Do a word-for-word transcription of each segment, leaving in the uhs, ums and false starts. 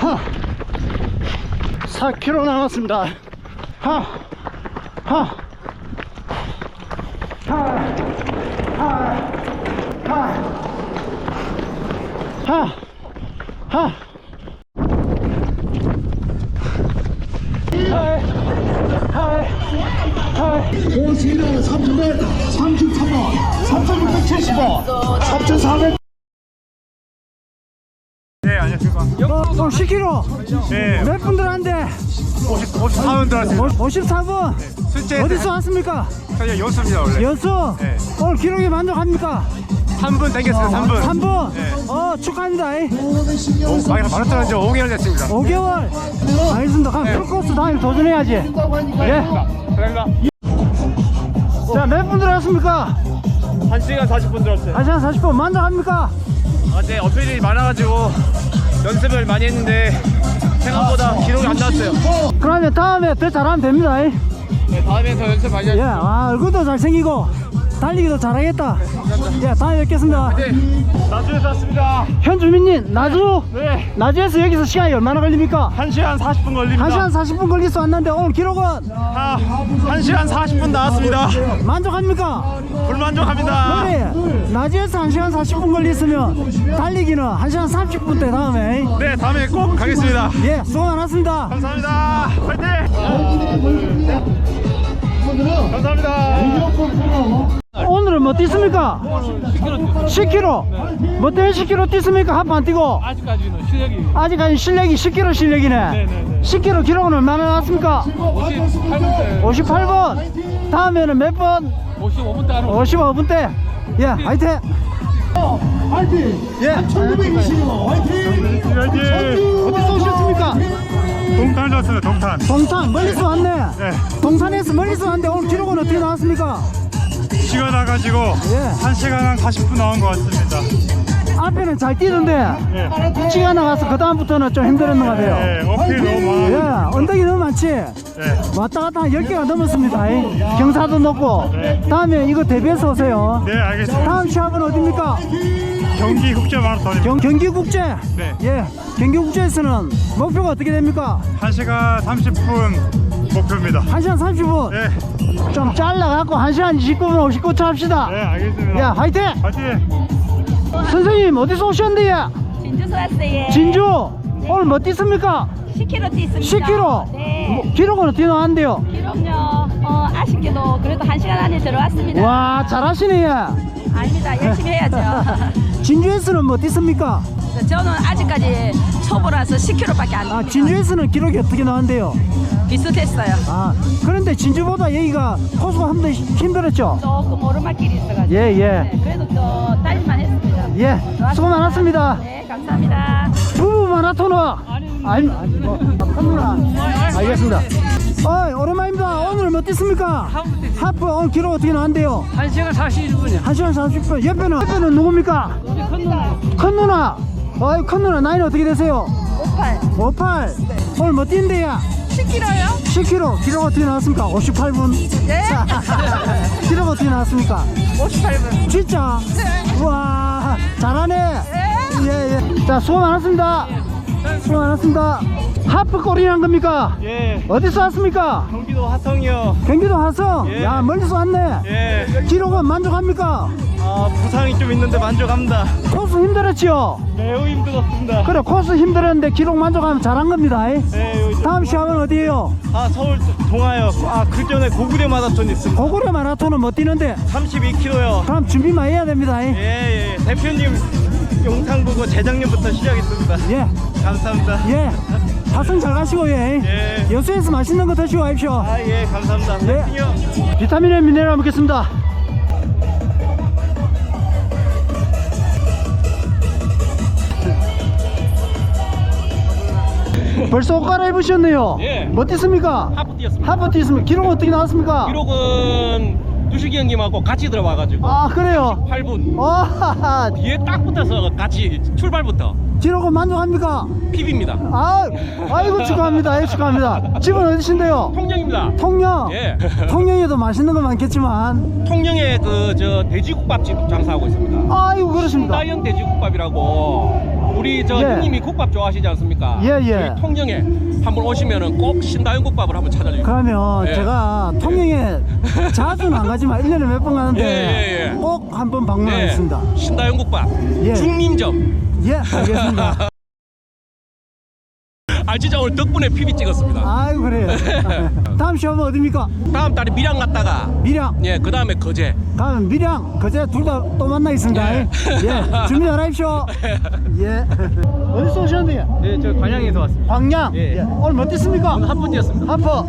하. 사 킬로미터 남았습니다. 하. 하. 하. 하. 하. 하. 하. 고지는 삼천백삼십삼 원, 삼천육백칠십 원, 삼천사백. 네, 안녕하십니까. 어, 십 킬로미터. 네, 몇 분들한테? 오십, 오십사 분 들어왔습니다. 오십사 분. 실제 어디서 왔습니까? 저희 연수입니다, 원래. 연수. 네. 오늘 기록에 만족합니까? 삼 분 땡겼습니다, 삼 분. 삼 분. 네. 어, 축하합니다. 오, 많이 마라톤 한지 오 개월 됐습니다. 오 개월. 알겠습니다. 그럼 네. 풀코스 다음에 도전해야지. 예. 감사합니다. 자, 몇 분 들어왔습니까? 한 시간 사십 분 들었어요. 한 시간 사십 분 만족합니까? 어제 어필이 많아가지고 연습을 많이 했는데 생각보다 기록이 안 나왔어요. 그러면 다음에 더 잘하면 됩니다. 네, 다음에 더 연습 많이 예, 하겠습니다. 아, 얼굴도 잘생기고 달리기도 잘하겠다. 예, 다음에 뵙겠습니다. 네, 나주에서 왔습니다. 현주민님, 나주? 네, 나주에서 여기서 시간이 얼마나 걸립니까? 한 시간 사십 분 걸립니다. 한 시간 사십 분 걸릴 수 왔는데 오늘 기록은 아, 한 시간 사십 분 나왔습니다. 만족합니까? 불만족합니다. 우리 나주에서 한 시간 사십 분 걸렸으면 달리기는 한 시간 삼십 분 대 다음에. 네, 다음에 꼭 가겠습니다. 예, 수고 많았습니다. 감사합니다. 화이팅! 감사합니다. 오늘은 뭐 뛰습니까? 십 킬로미터. 뭐 때문에 십 킬로미터 뛰습니까? 하프 안 뛰고? 아직까지는 실력이 아직까지 실력이 십 킬로미터 실력이네. 네네네. 십 킬로미터 기록은 얼마나 나왔습니까? 오십팔 분대 오십팔 분. 다음에는 몇 번? 오십오 분대 안으로 오십오 분 대. 예, 화이팅! 화이팅! 예. 천구백이십 원, 화이팅! 화이팅! 어디서 오셨습니까? 동탄 좋았습니다, 동탄. 동탄, 멀리서 왔네. 네. 동탄에서 멀리서 왔는데 오늘 기록은 어떻게 나왔습니까? 시간 나가지고 예. 한 시간 한 사십 분 나온 것 같습니다. 앞에는 잘 뛰던데 네. 찌가 나가서 그 다음부터는 좀 힘들었는 것 같아요. 네, 어필 너무 예, 많아. 언덕이 너무 많지? 네. 왔다 갔다 한 열 개가 넘었습니다. 이. 경사도 높고. 네. 다음에 이거 대비해서 오세요. 네, 알겠습니다. 다음 시합은 어딥니까? 경기 국제 마라톤입니다. 경, 경기국제? 네. 예, 경기국제에서는 목표가 어떻게 됩니까? 한 시간 삼십 분 목표입니다. 한 시간 삼십 분. 네, 좀 잘라갖고 한 시간 이십구 분 오십구 초 합시다. 네, 알겠습니다. 야, 화이팅! 화이팅! 선생님, 어디서 오셨는데요? 진주서 왔어요. 진주! 오늘 뭐 뛰습니까? 십 킬로미터 뛰습니다. 십 킬로미터? 네. 뭐, 기록은 어떻게 나왔는데요? 기록요. 어, 아쉽게도 그래도 한 시간 안에 들어왔습니다. 와, 잘하시네. 예. 아닙니다. 열심히 해야죠. 진주에서는 뭐 뛰습니까? 저는 아직까지 초보라서 십 킬로미터밖에 안 아, 됩니다. 진주에서는 기록이 어떻게 나왔는데요? 비슷했어요. 아, 그런데 진주보다 여기가 코스가 한 번 힘들었죠? 조금 오르막길이 있어가지고. 예, 예. 네, 그래도 또 달릴만 했습니다. 예, 수고 많았습니다. 네, 감사합니다. 부부 마라토너. 아니, 아니, 뭐, 컴구나. 알겠습니다. 어이, 오랜만입니다. 오늘 뭐 뛰습니까? 하프 오늘 기록 어떻게 나왔는데요? 한 시간 사십일 분이야. 한 시간 사십 분. 옆에는, 옆에는 누굽니까? 우리 큰 놈. 큰 누나. 어이, 큰 누나 나이는 어떻게 되세요? 오팔. 오십팔. 오늘 뭐 뛴대요? 십 킬로미터요? 십 킬로미터. 기록 어떻게 나왔습니까? 오십팔 분. 네. 기록 어떻게 나왔습니까? 오십팔 분. 진짜? 네. 우와, 잘하네. 네. 예, 예. 자, 수고 많았습니다. 수고 많았습니다. 하프 골이란 겁니까? 예, 어디서 왔습니까? 경기도 화성이요. 경기도 화성? 예. 야, 멀리서 왔네. 예, 기록은 만족합니까? 아, 부상이 좀 있는데 만족합니다. 코스 힘들었지요? 매우 힘들었습니다. 그래, 코스 힘들었는데 기록 만족하면 잘한 겁니다. 네, 여기 다음 시합은 어디에요? 아, 서울 동아요. 아, 그 전에 고구려 마라톤 있습니다. 고구려 마라톤은 못 뛰는데 삼십이 킬로미터요. 그럼 준비만 해야 됩니다. 예, 예. 대표님 영상 보고 재작년부터 시작했습니다. 예, 감사합니다. 예. 화성 잘 가시고, 예. 예. 여수에서 맛있는 거 드시고 가십시오. 아, 예, 감사합니다. 네. 화이팅요. 비타민에 미네랄 먹겠습니다. 벌써 옷 갈아입으셨네요. 예. 뭐 뛰습니까? 하프 뛰었습니다. 하프 뛰습니까? 기록 어떻게 나왔습니까? 기록은 두식이 형님하고 같이 들어와가지고 아, 그래요? 팔 분 와, 뒤에 딱 붙어서 같이 출발부터 기록은 만족합니까? 피비입니다. 아, 아이고 축하합니다. 예, 축하합니다. 집은 어디신데요? 통영입니다. 통영. 예. 통영에도 맛있는 거 많겠지만. 통영에 그 저 돼지국밥집 장사하고 있습니다. 아이고 그렇습니다. 다이언 돼지국밥이라고 우리 저 예. 형님이 국밥 좋아하시지 않습니까? 예, 예. 저희 통영에 한번 오시면은 꼭 신다영 국밥을 한번 찾아주세요. 그러면 예. 제가 통영에 자주는 안 가지만 일 년에 몇 번 가는데 예, 예, 예. 꼭 한번 방문하겠습니다. 신다영 국밥 예. 중림점. 예, 알겠습니다. 아 진짜 오늘 덕분에 피비 찍었습니다. 아이고, 그래요. 다음 시험은 어디입니까? 다음 달에 밀양 갔다가 밀양. 예, 그 다음에 거제. 다음 밀양, 그제 둘 다 또 만나겠습니다. 예. 예, 준비 잘하십시오. 예. 어디서 오셨는데요? 네, 저 관양에서 왔습니다. 광양. 예. 예. 오늘 뭐 뛰습니까? 오늘 한분 뛰었습니다. 하퍼.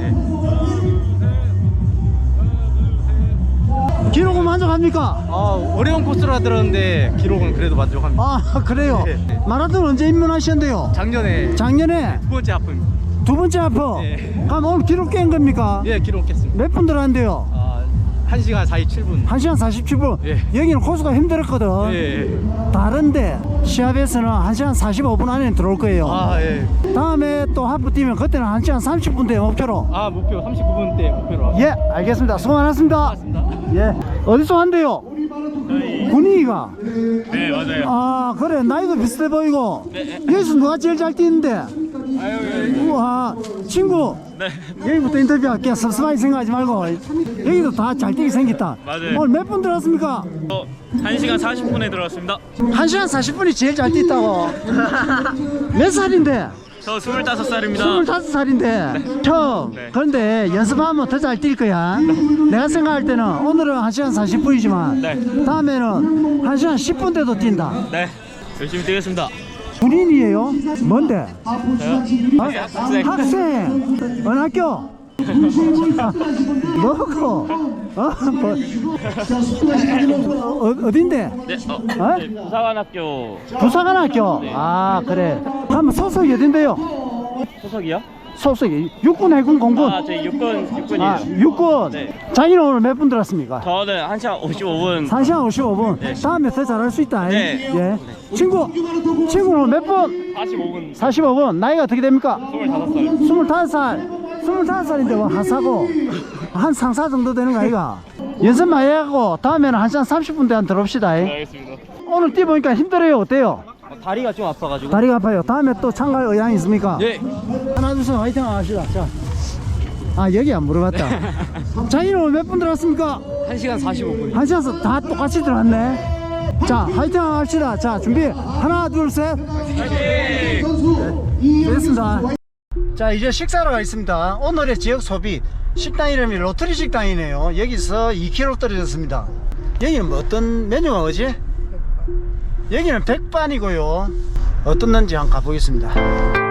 기록은 만족합니까? 아, 어려운 코스라 들었는데 기록은 그래도 만족합니다. 아, 그래요. 예. 마라톤 언제 입문하셨는데요? 작년에 작년에 두 번째 하프입니다. 두 번째 하퍼. 예. 그럼 오늘 기록 깬 겁니까? 예, 기록했습니다. 몇 분 들어간대요? 아, 한 시간 사십칠 분. 한 시간 사십칠 분. 예. 여기는 코스가 힘들었거든. 예. 다른데 시합에서는 한 시간 사십오 분 안에 들어올 거예요. 아, 예. 다음에 또 하프 뛰면 그때는 한 시간 삼십 분대 목표로. 아, 목표 삼십구 분대 목표로. 예, 알겠습니다. 수고 많았습니다. 예. 어디서 한대요? 군위가. 네, 맞아요. 아, 그래. 나이도 비슷해 보이고. 여기서 누가 제일 잘 뛰는데? 아유, 우와, 친구. 네. 여기부터 인터뷰할게. 섭섭하게 생각하지 말고. 여기도 다 잘 뛰게 생겼다. 맞아요. 오늘 몇 분 들었습니까? 한 시간 사십 분에 들어왔습니다. 한 시간 사십 분이 제일 잘 뛰었다고. 몇 살인데? 저 스물다섯 살입니다. 스물다섯 살인데 처음. 네. 그런데 연습하면 더 잘 뛸 거야. 내가 생각할 때는 오늘은 한 시간 사십 분이지만 네. 다음에는 한 시간 십 분대도 뛴다. 네. 열심히 뛰겠습니다. 군인이에요? 뭔데? 저요? 어? 학생. 학생. 어느 학교? 뭐고? 어? 뭐? 어, 어딘데? 네, 어, 어? 네, 부사관학교 부사관 학교. 아, 그래. 그럼 소속이 어딘데요? 소속이요? 소속이 육군, 해군, 공군. 아, 저희 육군, 육군이에요. 아, 육군. 네. 자기는 오늘 몇 분 들었습니까? 저는 한 시간 오십오 분. 한 시간 오십오 분. 네. 다음에 더 잘할 수 있다. 네. 예. 친구, 친구는 오늘 몇 분? 사십오 분. 사십오 분. 나이가 어떻게 됩니까? 스물다섯 살. 스물다섯 살. 스물다섯 살인데 뭐 하사고 한 상사 정도 되는 거 아이가? 연습 많이 하고 다음에는 한 시간 삼십 분대 한 들어옵시다. 네, 알겠습니다. 오늘 뛰어보니까 힘들어요. 어때요? 다리가 좀 아파가지고. 다리가 아파요. 다음에 또 참가할 의향 있습니까? 예. 하나 둘 셋 화이팅 합시다. 자. 아, 여기 안 물어봤다. 자기는 오늘 몇 분 들었습니까? 한 시간 사십오 분. 한 시간 다 똑같이 들어왔네. 자, 화이팅 합시다. 자, 준비. 하나, 둘, 셋. 네. 됐습니다. 자, 이제 식사로 가겠습니다. 오늘의 지역 소비 식당 이름이 로터리 식당이네요. 여기서 이 킬로미터 떨어졌습니다. 여기는 뭐 어떤 메뉴가 뭐지? 여기는 백반이고요. 어떻는지 한번 가보겠습니다.